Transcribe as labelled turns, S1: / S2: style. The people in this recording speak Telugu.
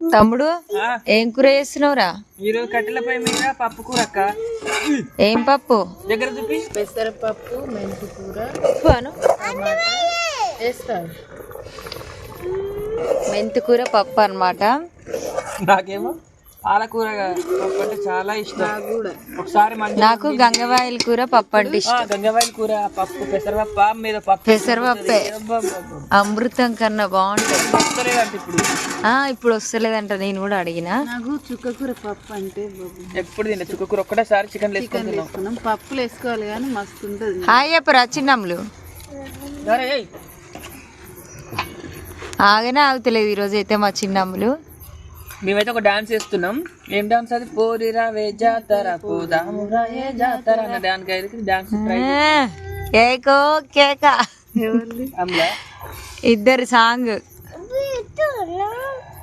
S1: తమ్ముడు ఏం కూర చేస్తున్నావురా?
S2: ఈరోజు కట్టెలపై మీద పప్పు కూర అక్క.
S1: ఏం పప్పు?
S2: దగ్గర చూపి.
S3: పెసరపప్పు, మెంతి కూర, వేస్తాను.
S1: మెంతి కూర పప్పు అన్నమాట.
S2: నాకేమో పాలకూర పప్పు అంటే చాలా ఇష్టం. ఒకసారి
S1: నాకు గంగవాయిల కూర పప్పు అంటే ఇష్టం.
S2: గంగవాయిల కూర పప్పు, పెసరపప్పు మీద పప్పు,
S1: పెసరపప్పే అమృతం కన్నా బాగుంటది. ఇప్పుడు వస్తలేదంట, నేను కూడా అడిగిన.
S3: నాకు చుక్కకూర పప్పు అంటే
S2: ఎప్పుడు తిన్నా చుక్కకూర ఒక్కటేసారి చికెన్
S3: వేసుకున్నాం. పప్పులు వేసుకోవాలి కానీ మస్తు ఉంటుంది.
S1: హాయ్ చెప్పరా చిన్నమ్ములు. ఆగనే ఆగుతలేదు ఈరోజు అయితే మా చిన్నమ్ములు.
S2: మేమైతే ఒక డాన్స్ చేస్తున్నాం. ఏం డాన్స్ అది? పోరిరా వే జాతర పోదామురా ఏ జాతర అన్న డాన్స్ అయితే డాన్స్
S1: కేకో కేక
S2: అమ్లా
S1: ఇద్దరు సాంగ్.